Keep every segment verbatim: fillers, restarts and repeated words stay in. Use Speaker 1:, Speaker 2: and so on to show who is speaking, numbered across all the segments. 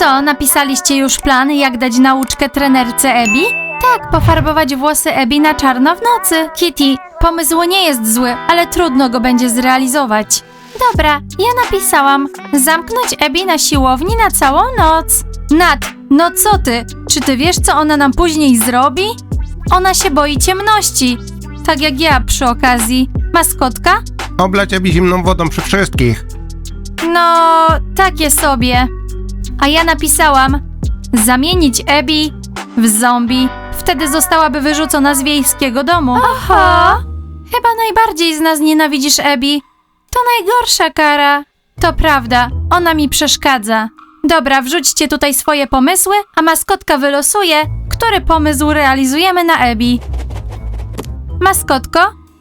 Speaker 1: Co, napisaliście już plan, jak dać nauczkę trenerce Abby? Tak, pofarbować włosy Abby na czarno w nocy. Kitty, pomysł nie jest zły, ale trudno go będzie zrealizować. Dobra, ja napisałam. Zamknąć Abby na siłowni na całą noc. Nat, no co ty? Czy ty wiesz, co ona nam później zrobi? Ona się boi ciemności. Tak jak ja przy okazji. Maskotka?
Speaker 2: Oblać Abby zimną wodą przy wszystkich.
Speaker 1: No, takie sobie. A ja napisałam zamienić Abby w zombie. Wtedy zostałaby wyrzucona z wiejskiego domu. Oho! Chyba najbardziej z nas nienawidzisz Abby. To najgorsza kara. To prawda, ona mi przeszkadza. Dobra, wrzućcie tutaj swoje pomysły, a maskotka wylosuje, który pomysł realizujemy na Abby. Maskotko?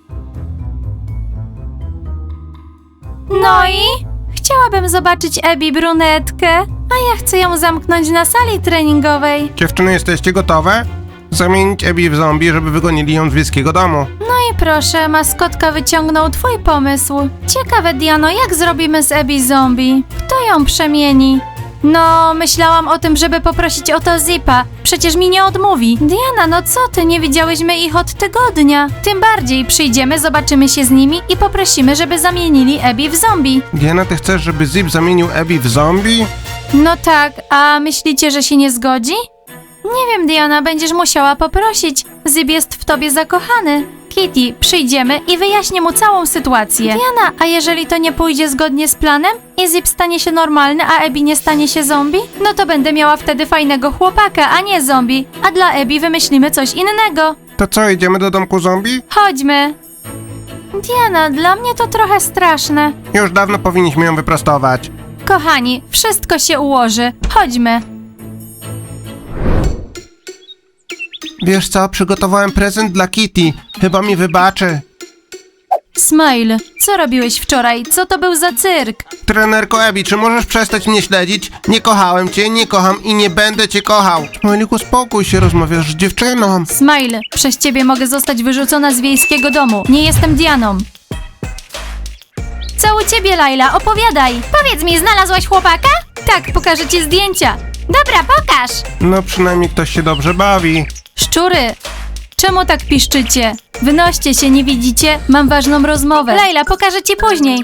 Speaker 1: No i? Chciałabym zobaczyć Abby brunetkę, a ja chcę ją zamknąć na sali treningowej.
Speaker 2: Dziewczyny, jesteście gotowe? Zamienić Abby w zombie, żeby wygonili ją z wiejskiego domu.
Speaker 1: No i proszę, maskotka wyciągnął twój pomysł. Ciekawe, Diano, jak zrobimy z Abby zombie? Kto ją przemieni? No, myślałam o tym, żeby poprosić o to Zipa. Przecież mi nie odmówi. Diana, no co ty, nie widziałyśmy ich od tygodnia. Tym bardziej przyjdziemy, zobaczymy się z nimi i poprosimy, żeby zamienili Abby w zombie.
Speaker 2: Diana, ty chcesz, żeby Zip zamienił Abby w zombie?
Speaker 1: No tak, a myślicie, że się nie zgodzi? Nie wiem, Diana, będziesz musiała poprosić. Zip jest w tobie zakochany. Kitty, przyjdziemy i wyjaśnię mu całą sytuację. Diana, a jeżeli to nie pójdzie zgodnie z planem i Zip stanie się normalny, a Abby nie stanie się zombie? No to będę miała wtedy fajnego chłopaka, a nie zombie. A dla Abby wymyślimy coś innego.
Speaker 2: To co, idziemy do domku zombie?
Speaker 1: Chodźmy. Diana, dla mnie to trochę straszne.
Speaker 2: Już dawno powinniśmy ją wyprostować.
Speaker 1: Kochani, wszystko się ułoży. Chodźmy.
Speaker 2: Wiesz co, przygotowałem prezent dla Kitty. Chyba mi wybaczy.
Speaker 1: Smile, co robiłeś wczoraj? Co to był za cyrk?
Speaker 2: Trenerko Abby, czy możesz przestać mnie śledzić? Nie kochałem cię, nie kocham i nie będę cię kochał. Smajliku, spokój się, rozmawiasz z dziewczyną.
Speaker 1: Smile, przez ciebie mogę zostać wyrzucona z wiejskiego domu. Nie jestem Dianą. Co u ciebie, Laila? Opowiadaj. Powiedz mi, znalazłaś chłopaka? Tak, pokażę ci zdjęcia. Dobra, pokaż.
Speaker 2: No przynajmniej ktoś się dobrze bawi.
Speaker 1: Szczury, czemu tak piszczycie? Wynoście się, nie widzicie? Mam ważną rozmowę. Laila, pokażę ci później.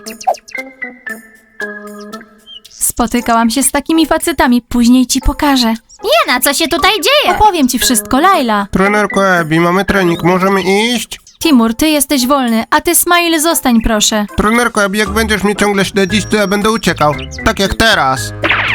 Speaker 1: Spotykałam się z takimi facetami, później ci pokażę. Jana, co się tutaj dzieje? Opowiem ci wszystko, Laila.
Speaker 2: Trenerko Abby, mamy trening, możemy iść?
Speaker 1: Timur, ty jesteś wolny, a ty, Smile, zostań proszę.
Speaker 2: Trenerko Abby, jak będziesz mnie ciągle śledzić, to ja będę uciekał. Tak jak teraz.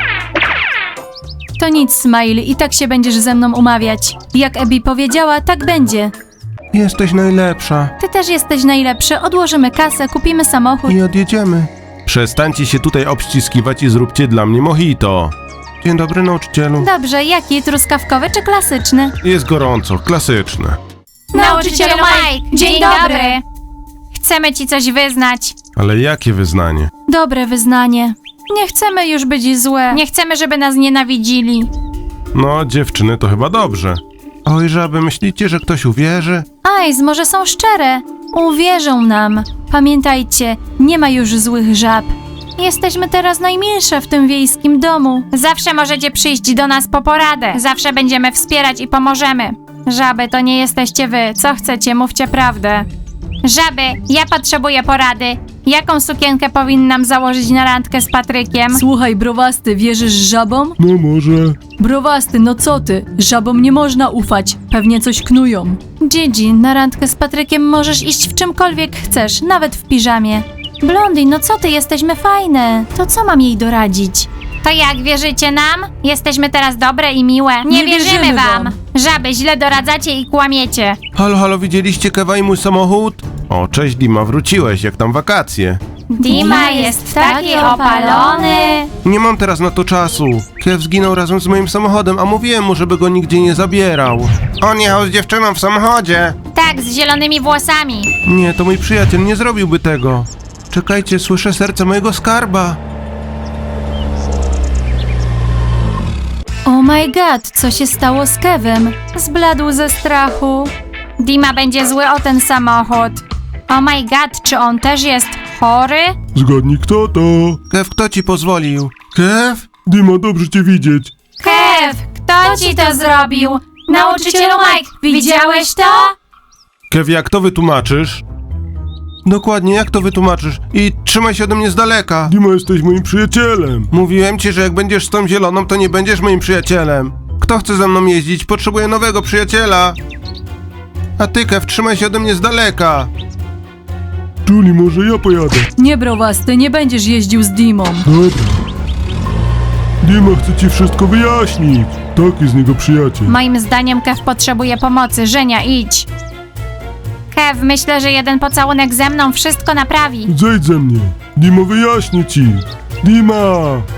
Speaker 1: To nic, Smile, i tak się będziesz ze mną umawiać. Jak Abby powiedziała, tak będzie.
Speaker 2: Jesteś najlepsza.
Speaker 1: Ty też jesteś najlepszy, odłożymy kasę, kupimy samochód.
Speaker 2: I odjedziemy.
Speaker 3: Przestańcie się tutaj obściskiwać i zróbcie dla mnie mojito.
Speaker 2: Dzień dobry, nauczycielu.
Speaker 1: Dobrze, jaki? Truskawkowy czy klasyczny?
Speaker 3: Jest gorąco, klasyczne.
Speaker 1: Nauczycielu Mike, dzień dobry. Chcemy ci coś wyznać.
Speaker 3: Ale jakie wyznanie?
Speaker 1: Dobre wyznanie. Nie chcemy już być złe. Nie chcemy, żeby nas nienawidzili.
Speaker 3: No, dziewczyny, to chyba dobrze.
Speaker 2: Oj, żaby, myślicie, że ktoś uwierzy?
Speaker 1: Ajz, może są szczere. Uwierzą nam. Pamiętajcie, nie ma już złych żab. Jesteśmy teraz najmilsze w tym wiejskim domu. Zawsze możecie przyjść do nas po poradę. Zawsze będziemy wspierać i pomożemy. Żaby, to nie jesteście wy. Co chcecie, mówcie prawdę. Żaby, ja potrzebuję porady. Jaką sukienkę powinnam założyć na randkę z Patrykiem?
Speaker 4: Słuchaj, browasty, wierzysz żabom?
Speaker 3: No może.
Speaker 4: Browasty, no co ty? Żabom nie można ufać. Pewnie coś knują.
Speaker 1: Gigi, na randkę z Patrykiem możesz iść w czymkolwiek chcesz, nawet w piżamie. Blondie, no co ty, jesteśmy fajne. To co mam jej doradzić? To jak, wierzycie nam? Jesteśmy teraz dobre i miłe. Nie,
Speaker 4: Nie wierzymy wierzymy wam. wam.
Speaker 1: Żaby, źle doradzacie i kłamiecie.
Speaker 2: Halo, halo, widzieliście Kewa i mój samochód?
Speaker 3: O, cześć Dima, wróciłeś, jak tam wakacje?
Speaker 1: Dima jest taki opalony.
Speaker 2: Nie mam teraz na to czasu. Kev zginął razem z moim samochodem, a mówiłem mu, żeby go nigdzie nie zabierał. On jechał z dziewczyną w samochodzie.
Speaker 1: Tak, z zielonymi włosami.
Speaker 2: Nie, to mój przyjaciel nie zrobiłby tego. Czekajcie, słyszę serce mojego skarba.
Speaker 1: Oh my god, co się stało z Kevem? Zbladł ze strachu. Dima będzie zły o ten samochód. Oh my god, czy on też jest chory?
Speaker 3: Zgadnij kto to?
Speaker 2: Kev, kto ci pozwolił? Kev?
Speaker 3: Dima, dobrze cię widzieć.
Speaker 1: Kev, kto ci to zrobił? Nauczycielu Mike, widziałeś to?
Speaker 3: Kev, jak to wytłumaczysz?
Speaker 2: Dokładnie, jak to wytłumaczysz? I trzymaj się ode mnie z daleka.
Speaker 3: Dima, jesteś moim przyjacielem.
Speaker 2: Mówiłem ci, że jak będziesz z tą zieloną, to nie będziesz moim przyjacielem. Kto chce ze mną jeździć? Potrzebuję nowego przyjaciela. A ty, Kev, trzymaj się ode mnie z daleka.
Speaker 3: Julie, może ja pojadę?
Speaker 4: Nie, browasty, nie będziesz jeździł z Dimą.
Speaker 3: Dobra. Dima chce ci wszystko wyjaśnić. Taki z niego przyjaciel.
Speaker 1: Moim zdaniem Kev potrzebuje pomocy. Żenia, idź. Kev, myślę, że jeden pocałunek ze mną wszystko naprawi.
Speaker 3: Zejdź ze mnie. Dima wyjaśni ci. Dima!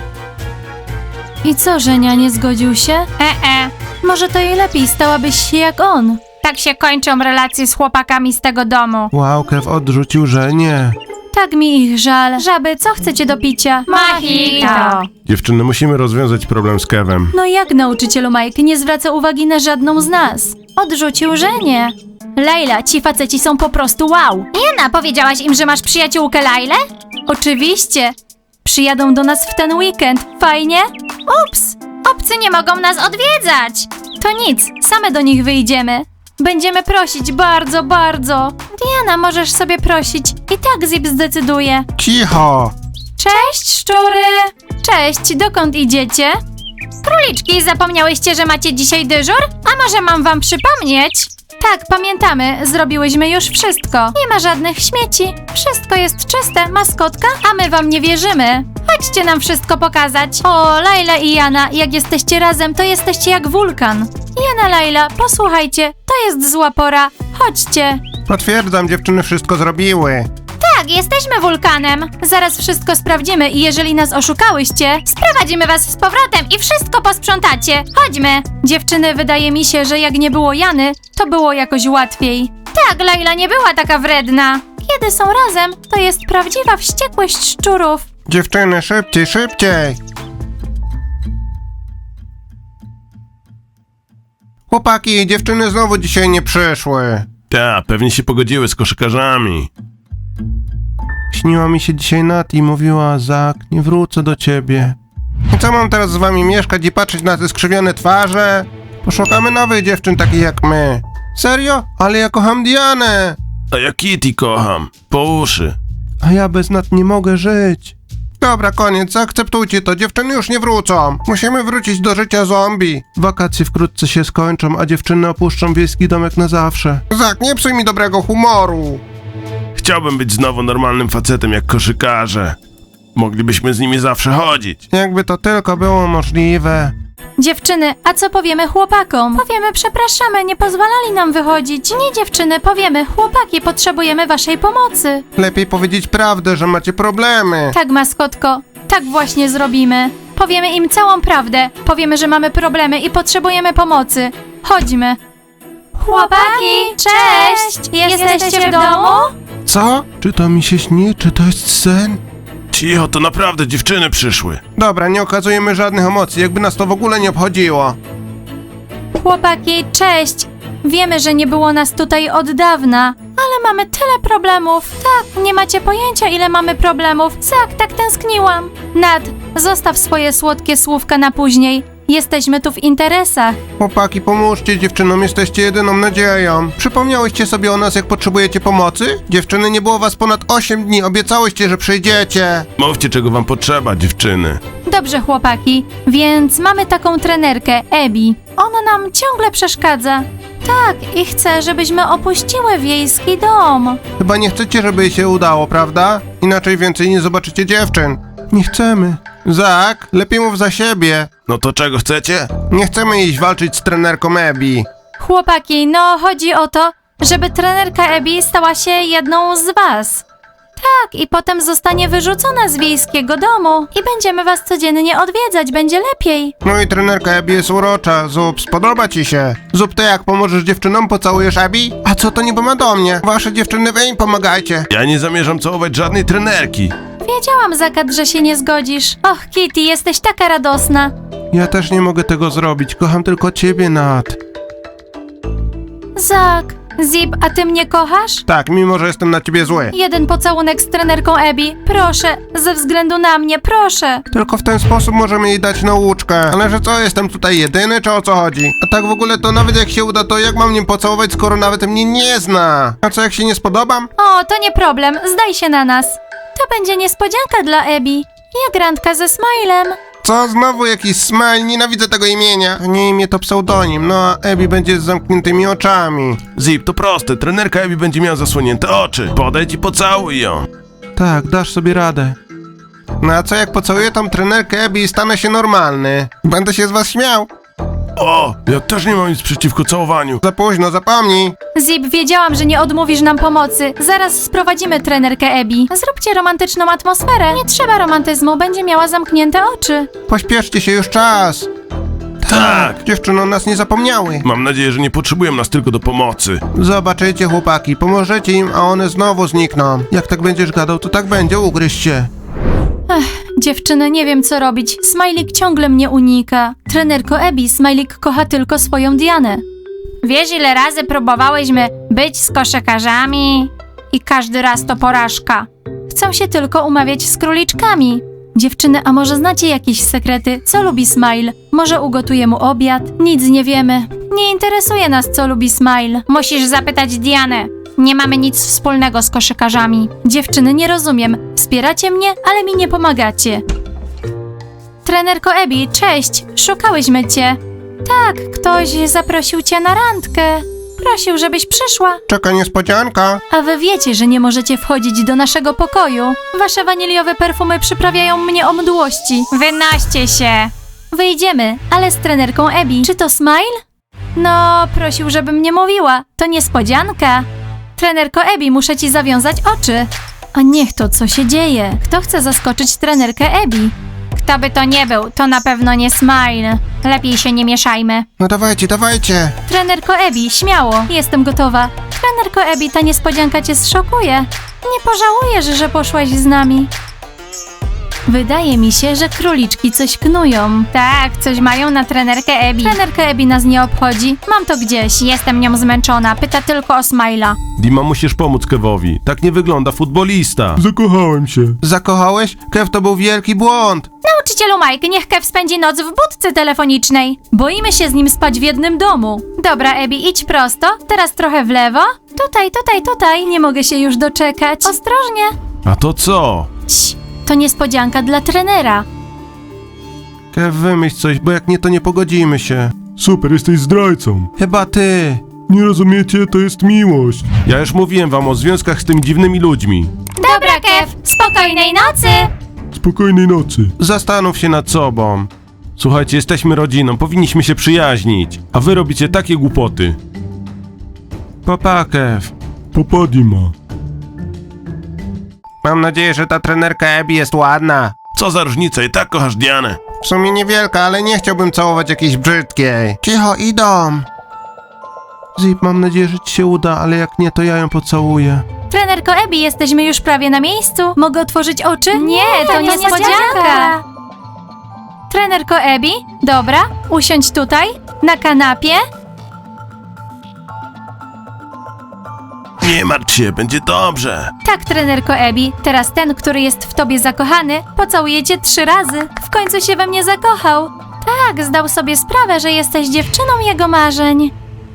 Speaker 4: I co, Żenia, nie zgodził się?
Speaker 1: E-e.
Speaker 4: Może to i lepiej, stałabyś się jak on.
Speaker 1: Tak się kończą relacje z chłopakami z tego domu.
Speaker 2: Wow, Kev odrzucił, że nie.
Speaker 4: Tak mi ich żal. Żaby, co chcecie do picia?
Speaker 1: Mojito.
Speaker 3: Dziewczyny, musimy rozwiązać problem z Kevem.
Speaker 4: No jak nauczycielu Mike nie zwraca uwagi na żadną z nas? Odrzucił Żenię. Lejla, ci faceci są po prostu wow.
Speaker 1: Jana, powiedziałaś im, że masz przyjaciółkę Lailę?
Speaker 4: Oczywiście. Przyjadą do nas w ten weekend. Fajnie?
Speaker 1: Ups, obcy nie mogą nas odwiedzać.
Speaker 4: To nic, same do nich wyjdziemy. Będziemy prosić bardzo, bardzo. Diana, możesz sobie prosić. I tak Zip zdecyduje.
Speaker 2: Cicho!
Speaker 4: Cześć, szczury! Cześć, dokąd idziecie?
Speaker 1: Króliczki, zapomniałyście, że macie dzisiaj dyżur? A może mam wam przypomnieć?
Speaker 4: Tak, pamiętamy, zrobiłyśmy już wszystko. Nie ma żadnych śmieci. Wszystko jest czyste, maskotka, a my wam nie wierzymy. Chodźcie nam wszystko pokazać. O, Laila i Jana, jak jesteście razem, to jesteście jak wulkan. Jana, Laila, posłuchajcie, to jest zła pora. Chodźcie.
Speaker 2: Potwierdzam, dziewczyny wszystko zrobiły.
Speaker 1: Tak, jesteśmy wulkanem.
Speaker 4: Zaraz wszystko sprawdzimy i jeżeli nas oszukałyście,
Speaker 1: Sprowadzimy was z powrotem i wszystko posprzątacie. Chodźmy.
Speaker 4: dziewczyny, wydaje mi się, że jak nie było Jany, to było jakoś łatwiej.
Speaker 1: Tak, Laila nie była taka wredna.
Speaker 4: Kiedy są razem, to jest prawdziwa wściekłość szczurów.
Speaker 2: Dziewczyny, szybciej, szybciej! Chłopaki, dziewczyny znowu dzisiaj nie przyszły.
Speaker 3: Ta, pewnie się pogodziły z koszykarzami.
Speaker 2: Śniła mi się dzisiaj Nat i mówiła, Zak, nie wrócę do ciebie. I co mam teraz z wami mieszkać i patrzeć na te skrzywione twarze? Poszukamy nowych dziewczyn takich jak my. Serio? Ale ja kocham Dianę.
Speaker 3: A ja Kitty kocham. Po uszy.
Speaker 2: A ja bez Nat nie mogę żyć. Dobra, koniec, zaakceptujcie to, dziewczyny już nie wrócą. Musimy wrócić do życia zombie. Wakacje wkrótce się skończą, a dziewczyny opuszczą wiejski domek na zawsze. Zak, nie psuj mi dobrego humoru.
Speaker 3: Chciałbym być znowu normalnym facetem jak koszykarze. Moglibyśmy z nimi zawsze chodzić.
Speaker 2: Jakby to tylko było możliwe.
Speaker 4: Dziewczyny, a co powiemy chłopakom? Powiemy, przepraszamy, nie pozwalali nam wychodzić. Nie, dziewczyny, powiemy, chłopaki, potrzebujemy waszej pomocy.
Speaker 2: Lepiej powiedzieć prawdę, że macie problemy.
Speaker 4: Tak, maskotko, tak właśnie zrobimy. Powiemy im całą prawdę. Powiemy, że mamy problemy i potrzebujemy pomocy. Chodźmy. Chłopaki, cześć! Jesteście w domu?
Speaker 2: Co? Czy to mi się śni, czy to jest sen?
Speaker 3: Cicho, to naprawdę dziewczyny przyszły.
Speaker 2: Dobra, nie okazujemy żadnych emocji, jakby nas to w ogóle nie obchodziło.
Speaker 4: Chłopaki, cześć! Wiemy, że nie było nas tutaj od dawna, ale mamy tyle problemów. Tak, nie macie pojęcia, ile mamy problemów. Zak, tak tęskniłam. Nad, zostaw swoje słodkie słówka na później. Jesteśmy tu w interesach.
Speaker 2: Chłopaki, pomóżcie dziewczynom, jesteście jedyną nadzieją. Przypomniałyście sobie o nas, jak potrzebujecie pomocy? Dziewczyny, nie było was ponad osiem dni, obiecałyście, że przyjdziecie.
Speaker 3: Mówcie, czego wam potrzeba, dziewczyny.
Speaker 4: Dobrze, chłopaki, więc mamy taką trenerkę, Ebi. Ona nam ciągle przeszkadza. Tak, i chce, żebyśmy opuściły wiejski dom.
Speaker 2: Chyba nie chcecie, żeby jej się udało, prawda? Inaczej więcej nie zobaczycie dziewczyn. Nie chcemy. Zak, lepiej mów za siebie.
Speaker 3: No to czego chcecie?
Speaker 2: Nie chcemy iść walczyć z trenerką Ebi.
Speaker 4: Chłopaki, no chodzi o to, żeby trenerka Ebi stała się jedną z was. Tak, i potem zostanie wyrzucona z wiejskiego domu i będziemy was codziennie odwiedzać, będzie lepiej.
Speaker 2: No i trenerka Ebi jest urocza. Zup, spodoba ci się. Zup, ty jak pomożesz dziewczynom, pocałujesz Ebi? A co to niby ma do mnie? Wasze dziewczyny, wy im pomagajcie.
Speaker 3: Ja nie zamierzam całować żadnej trenerki.
Speaker 4: Wiedziałam, Zakat, że się nie zgodzisz. Och, Kitty, jesteś taka radosna.
Speaker 2: Ja też nie mogę tego zrobić, kocham tylko ciebie, Nat.
Speaker 4: Zak, Zip, a ty mnie kochasz?
Speaker 2: Tak, mimo że jestem na ciebie zły.
Speaker 4: Jeden pocałunek z trenerką Abby. Proszę, ze względu na mnie, proszę.
Speaker 2: Tylko w ten sposób możemy jej dać nauczkę. Ale że co, jestem tutaj jedyny, czy o co chodzi? A tak w ogóle to nawet jak się uda, to jak mam nim pocałować, skoro nawet mnie nie zna? A co, jak się nie spodobam?
Speaker 4: O, to nie problem, zdaj się na nas. To będzie niespodzianka dla Abby. Jak randka ze Smilem.
Speaker 2: Co, znowu jakiś smile? Nienawidzę tego imienia. Nie imię to pseudonim, no a Abby będzie z zamkniętymi oczami.
Speaker 3: Zip, to proste. Trenerka Abby będzie miała zasłonięte oczy. Podejdź i pocałuj ją.
Speaker 2: Tak, dasz sobie radę. No a co, jak pocałuję tą trenerkę Abby i stanę się normalny? Będę się z was śmiał.
Speaker 3: O, ja też nie mam nic przeciwko całowaniu.
Speaker 2: Za późno, zapomnij.
Speaker 4: Zip, wiedziałam, że nie odmówisz nam pomocy. Zaraz sprowadzimy trenerkę Abby. Zróbcie romantyczną atmosferę. Nie trzeba romantyzmu, będzie miała zamknięte oczy.
Speaker 2: Pośpieszcie się, już czas.
Speaker 3: Tak.
Speaker 2: Dziewczyny o nas nie zapomniały.
Speaker 3: Mam nadzieję, że nie potrzebują nas tylko do pomocy.
Speaker 2: Zobaczycie, chłopaki, pomożecie im, a one znowu znikną. Jak tak będziesz gadał, to tak będzie, ugryź się.
Speaker 4: Dziewczyny, nie wiem co robić. Smajlik ciągle mnie unika. Trenerko Abby, Smajlik kocha tylko swoją Dianę. Wiesz, ile razy próbowałyśmy być z koszykarzami? I każdy raz to porażka. Chcą się tylko umawiać z króliczkami. Dziewczyny, a może znacie jakieś sekrety? Co lubi Smile? Może ugotuję mu obiad? Nic nie wiemy. Nie interesuje nas, co lubi Smile. Musisz zapytać Dianę. Nie mamy nic wspólnego z koszykarzami. Dziewczyny, nie rozumiem. Wspieracie mnie, ale mi nie pomagacie. Trenerko Abby, cześć. Szukałyśmy cię. Tak, ktoś zaprosił cię na randkę. Prosił, żebyś przyszła.
Speaker 2: Czeka niespodzianka.
Speaker 4: A wy wiecie, że nie możecie wchodzić do naszego pokoju. Wasze waniliowe perfumy przyprawiają mnie o mdłości. Wynoście się. Wyjdziemy, ale z trenerką Abby. Czy to Smile? No, prosił, żebym nie mówiła. To niespodzianka. Trenerko Abby, muszę ci zawiązać oczy. A niech to, co się dzieje. Kto chce zaskoczyć trenerkę Abby? Kto by to nie był, to na pewno nie Smile. Lepiej się nie mieszajmy.
Speaker 2: No dawajcie, dawajcie.
Speaker 4: Trenerko Abby, śmiało, jestem gotowa. Trenerko Abby, ta niespodzianka cię zszokuje. Nie pożałujesz, że poszłaś z nami. Wydaje mi się, że króliczki coś knują. Tak, coś mają na trenerkę Abby. Trenerka Abby nas nie obchodzi. Mam to gdzieś. Jestem nią zmęczona. Pyta tylko o Smile'a.
Speaker 3: Dima, musisz pomóc Kevowi. Tak nie wygląda futbolista.
Speaker 5: Zakochałem się.
Speaker 2: Zakochałeś? Kev, to był wielki błąd.
Speaker 4: Nauczycielu Mike, niech Kev spędzi noc w budce telefonicznej. Boimy się z nim spać w jednym domu. Dobra, Abby, idź prosto. Teraz trochę w lewo. Tutaj, tutaj, tutaj. Nie mogę się już doczekać. Ostrożnie.
Speaker 3: A to co?
Speaker 4: Cii, to niespodzianka dla trenera.
Speaker 2: Kev, wymyśl coś, bo jak nie, to nie pogodzimy się.
Speaker 5: Super, jesteś zdrajcą.
Speaker 2: Chyba ty.
Speaker 5: Nie rozumiecie, to jest miłość.
Speaker 3: Ja już mówiłem wam o związkach z tymi dziwnymi ludźmi.
Speaker 4: Dobra, Kev, spokojnej nocy.
Speaker 5: Spokojnej nocy.
Speaker 2: Zastanów się nad sobą.
Speaker 3: Słuchajcie, jesteśmy rodziną, powinniśmy się przyjaźnić. A wy robicie takie głupoty.
Speaker 2: Papa, Kev.
Speaker 5: Papa Dima.
Speaker 2: Mam nadzieję, że ta trenerka Abby jest ładna.
Speaker 3: Co za różnica, i tak kochasz Dianę.
Speaker 2: W sumie niewielka, ale nie chciałbym całować jakiejś brzydkiej. Cicho, idą. Zip, mam nadzieję, że ci się uda, ale jak nie, to ja ją pocałuję.
Speaker 4: Trenerko Abby, jesteśmy już prawie na miejscu. Mogę otworzyć oczy? Nie, to niespodzianka. Trenerko Abby, dobra, usiądź tutaj, na kanapie.
Speaker 3: Nie martw się, będzie dobrze.
Speaker 4: Tak, trenerko Abby, teraz ten, który jest w tobie zakochany, pocałuje cię trzy razy. W końcu się we mnie zakochał. Tak, zdał sobie sprawę, że jesteś dziewczyną jego marzeń.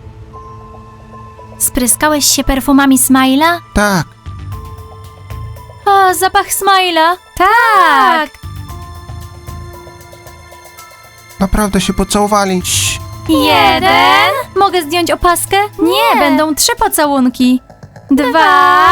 Speaker 4: Spryskałeś się perfumami Smile'a?
Speaker 2: Tak.
Speaker 4: O, zapach Smile'a. Tak.
Speaker 2: Naprawdę się pocałowali. Cii.
Speaker 4: Jeden. Mogę zdjąć opaskę? Nie, będą trzy pocałunki. Dwa.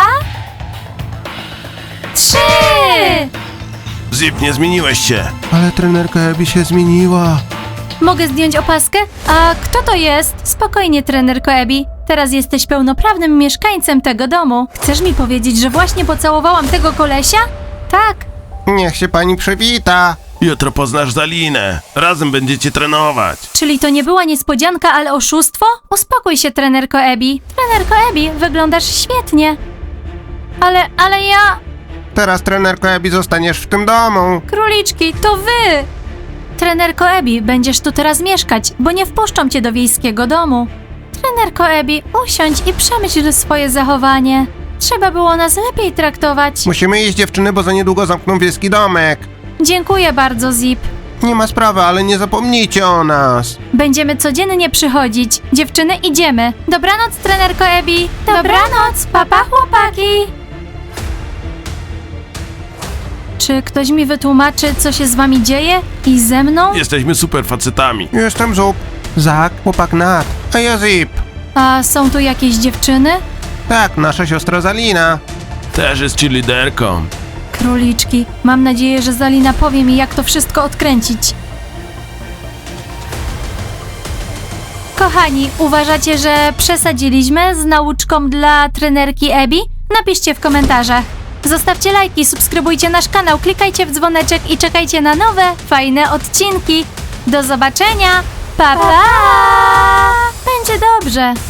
Speaker 4: Trzy.
Speaker 3: Zip, nie zmieniłeś się.
Speaker 2: Ale trenerka Abby się zmieniła.
Speaker 4: Mogę zdjąć opaskę? A kto to jest? Spokojnie, trenerko Abby. Teraz jesteś pełnoprawnym mieszkańcem tego domu. Chcesz mi powiedzieć, że właśnie pocałowałam tego kolesia? Tak.
Speaker 2: Niech się pani przywita.
Speaker 3: Jutro poznasz Zalinę. Razem będziecie trenować.
Speaker 4: Czyli to nie była niespodzianka, ale oszustwo? Uspokój się, trenerko Abby. Trenerko Abby, wyglądasz świetnie. Ale, ale ja...
Speaker 2: Teraz trenerko Abby zostaniesz w tym domu.
Speaker 4: Króliczki, to wy! Trenerko Abby, będziesz tu teraz mieszkać, bo nie wpuszczą cię do wiejskiego domu. Trenerko Abby, usiądź i przemyśl swoje zachowanie. Trzeba było nas lepiej traktować.
Speaker 2: Musimy iść, dziewczyny, bo za niedługo zamkną wiejski domek.
Speaker 4: Dziękuję bardzo, Zip.
Speaker 2: Nie ma sprawy, ale nie zapomnijcie o nas.
Speaker 4: Będziemy codziennie przychodzić. Dziewczyny, idziemy. Dobranoc, trenerko Abby. Dobranoc, papa chłopaki. Czy ktoś mi wytłumaczy, co się z wami dzieje? I ze mną?
Speaker 3: Jesteśmy super facetami.
Speaker 2: Jestem Zup, Zak, chłopak Nat, a ja Zip.
Speaker 4: A są tu jakieś dziewczyny?
Speaker 2: Tak, nasza siostra Zalina.
Speaker 3: Też jest cheerleaderką.
Speaker 4: Króliczki. Mam nadzieję, że Zalina powie mi, jak to wszystko odkręcić. Kochani, uważacie, że przesadziliśmy z nauczką dla trenerki Abby? Napiszcie w komentarzach. Zostawcie lajki, subskrybujcie nasz kanał, klikajcie w dzwoneczek i czekajcie na nowe, fajne odcinki. Do zobaczenia! Pa, pa! Będzie dobrze.